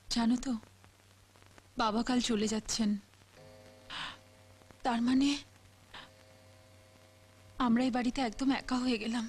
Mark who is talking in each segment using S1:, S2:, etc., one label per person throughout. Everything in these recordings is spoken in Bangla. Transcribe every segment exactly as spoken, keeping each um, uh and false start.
S1: জানো তো বাবা কাল চলে যাচ্ছেন, তার মানে আমরা এই বাড়িতে একদম একা হয়ে গেলাম।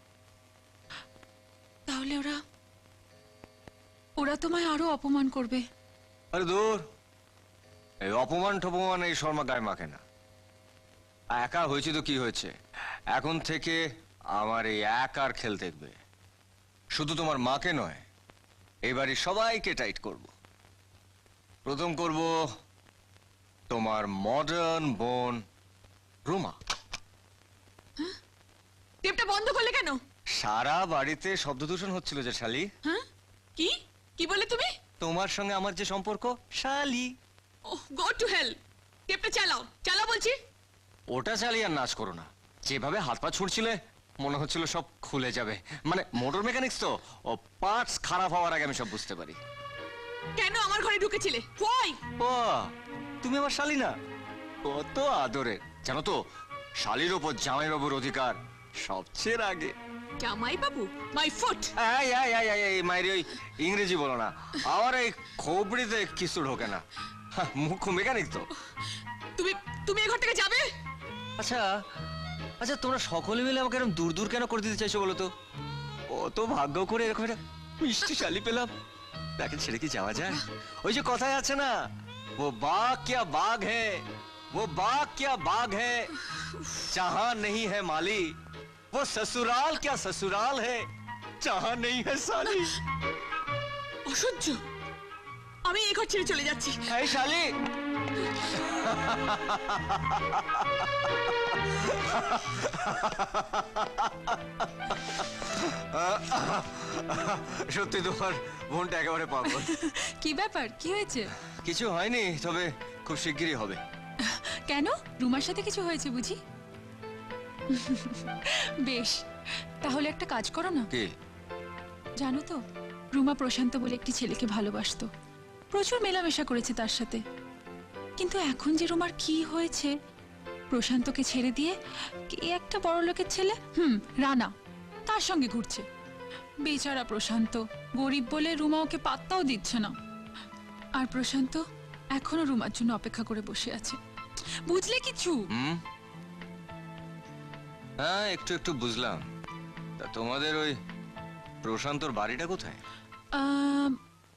S1: তাহলে ওরা ওরা তোমায় আরো অপমান করবে।
S2: আরে দূর, এই অপমান টপমান এই শর্মা গায়ে মাখে না। একা হয়েছে তো কি হয়েছে, এখন থেকে আমার এই একার খেল দেখবে। শুধু তোমার মাকে নয়, এই বাড়ির সবাইকে টাইট করব। প্রথম করব তোমার মডার্ন বোন রুমা।
S1: টেপটা বন্ধ করলে কেন?
S2: সারা বাড়িতে শব্দ দূষণ হচ্ছিল যে শালি।
S1: হ্যাঁ কি কি বলে তুমি?
S2: তোমার সঙ্গে আমার যে সম্পর্ক শালি।
S1: ওহ গো টু হেল। টেপটা চালাও, চালাও বলছি।
S2: ওটা চালিয়ে আর নাচ করো না। যেভাবে হাত পা ছুড়ছিলে মনে হচ্ছিল সব খুলে যাবে। মানে মোটর মেকানিক্স তো, ও পার্টস খারাপ হওয়ার আগে আমি সব বুঝতে পারি।
S1: কেন আমার ঘরে ঢুকেছিলে? ওই
S2: ও তুমি আমার শালি না? কত আদরের জানো তো, শালির ওপর জামাই বাবুর অধিকার সবচেয়ে আগে।
S1: জামাই বাবু মাই ফুট।
S2: এই এই এই এই এই মাইরি ওই ইংরেজি বলো না, আমার এই খোপড়িতে কিছু ঢোকে না। হ্যাঁ, মুখ্য মেকানিক তো।
S1: তুমি তুমি এই ঘর থেকে যাবে?
S2: আচ্ছা আচ্ছা তোমরা সকলে মিলে আমাকে এরকম দূর দূর কেন করে দিতে চাইছো বলো তো? কত ভাগ্য করে এরকম একটা মিষ্টি শালি পেলাম, তাকে ছেড়ে কি যাওয়া যায়? ওই যে কথায় আছে না, वो बाग क्या बाग है, वो बाग क्या बाग है, जहां नहीं है माली, वो ससुराल क्या ससुराल है, जहां नहीं है साली।
S1: অসহ্য, আমি এই ঘর ছেড়ে চলে যাচ্ছি।
S2: এই শালি, সত্যি তোমার বোনটা একেবারে পাগল।
S1: কি ব্যাপার, কি হয়েছে?
S2: কিছু হয়নি, তবে খুব শিগগিরই হবে।
S1: কেন, রুমার সাথে কিছু হয়েছে বুঝি? বেশ, তাহলে একটা কাজ করো না।
S2: কি?
S1: জানো তো রুমা প্রশান্ত বলে একটি ছেলেকে ভালোবাসতো, প্রচুর মেলামেশা করেছে তার সাথে। কিন্তু এখন যে রুমার কি হয়েছে, প্রশান্তকে ছেড়ে দিয়ে কে একটা বড় লোকের ছেলে, হুম রানা, তার সঙ্গে ঘুরছে। বেচারা প্রশান্ত গরিব বলে রুমা ওকে পাত্তাও দিচ্ছে না। আর প্রশান্ত এখনো রুমার জন্য অপেক্ষা করে বসে আছে। বুঝলে কিছু?
S2: হুম, হ্যাঁ একটু একটু বুঝলাম। তা তোমাদের ওই প্রশান্তর বাড়িটা কোথায়?
S1: আম,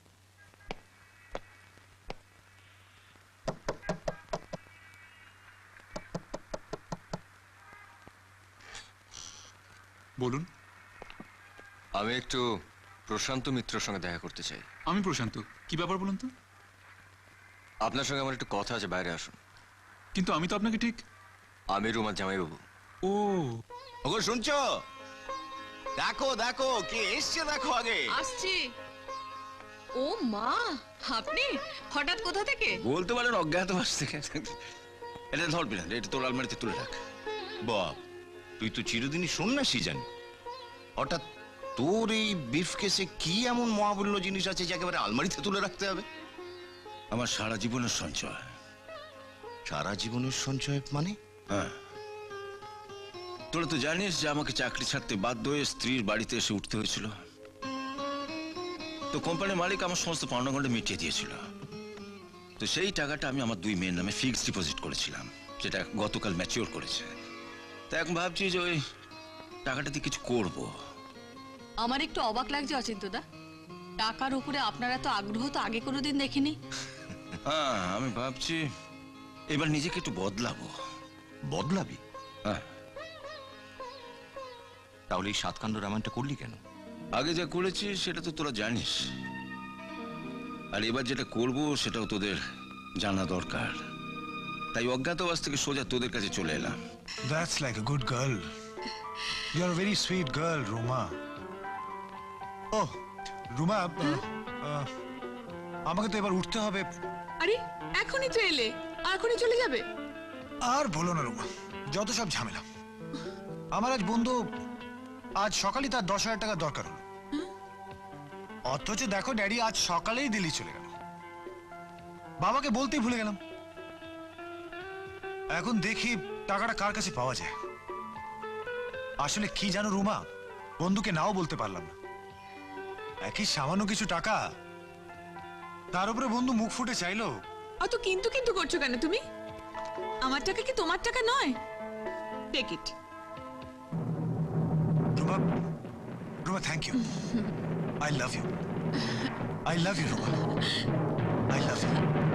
S3: বলুন।
S2: আমি একটু প্রশান্ত মিত্রের সঙ্গে দেখা করতে চাই।
S3: আমি প্রশান্ত, কি ব্যাপার বলুন তো?
S2: আপনার সঙ্গে আমার একটু কথা আছে, বাইরে আসুন।
S3: কিন্তু আমি তো আপনাকে ঠিক।
S2: আমি রুমার জামাইবাবু।
S3: ও
S4: ওগো শুনছো? দেখো দেখো কে এসছে, দেখো আগে।
S1: আসছি। ও মা, আপনি হঠাৎ কোথা থেকে?
S4: বলতে পারেন অজ্ঞাতবাস থেকে। এটা ধরবি না, এটা তোর আলমারিতে তুলে রাখ। বাপ, তুই তো চিরদিনই সন্ন্যাসী জানি, হঠাৎ তোর এই বিফ কেসে কি এমন মহামূল্য জিনিস আছে যে একেবারে আলমারিতে তুলে রাখতে হবে? আমার সারা জীবনের সঞ্চয়। সারা জীবনের সঞ্চয় মানে? হ্যাঁ, তোরা তো জানিস যে আমাকে চাকরি ছাড়তে বাধ্য হয়ে স্ত্রীর বাড়িতে এসে উঠতে হয়েছিল। তো কোম্পানির মালিক আমার সমস্ত পাওনাগণ্ডে মিটিয়ে দিয়েছিল। তো সেই টাকাটা আমি আমার দুই মেয়ের নামে ফিক্সড ডিপোজিট করেছিলাম, যেটা গতকাল ম্যাচিওর করেছে। তা এখন ভাবছি যে ওই টাকাটা দিয়ে কিছু করব।
S5: আমার একটু অবাক লাগছে অচিন্তদা, টাকার উপরে আপনারা তো আগ্রহ তো আগে কোনোদিন দেখিনি।
S4: হ্যাঁ, আমি ভাবছি এবার নিজেকে একটু বদলাবো।
S6: বদলাবি?
S4: হ্যাঁ।
S6: তাহলে এই সাতকাণ্ড রামায়ণটা করলি কেন?
S4: আগে যা করেছি সেটা তো তোরা জানিস, আর এবার যেটা করব সেটাও তোদের জানা দরকার। তাই অজ্ঞাতবাস থেকে সোজা তোদের কাছে চলে এলাম।
S7: That's like a good girl. You're a very sweet girl, Ruma. Oh, Ruma, uh, uh, আমাকে তো এবার উঠতে হবে।
S1: আরে এখনই তো এলে, আর এখনই চলে যাবে?
S7: আর বলো না রুমা, যত সব ঝামেলা। আমার আজ বন্ধু আজ সকালেই তার দশ হাজার টাকা দরকার হলো, অথচ দেখো ড্যাডি আজ সকালেই দিল্লি চলে গেল। বাবাকে বলতেই ভুলে গেলাম। এখন দেখি টাকাটা কার কাছে পাওয়া যায়। আসলে কি জানো রুমা, বন্ধুকে নাও বলতে পারলাম না। একই সামান্য কিছু টাকা তার উপরে বন্ধু মুখ ফুটে চাইলো।
S1: অত কিন্তু কিন্তু করছো কেন তুমি? আমার টাকা কি তোমার টাকা নয়? Take it.
S7: Ruma, Ruma thank you. I love you. I love you Ruma. I love you.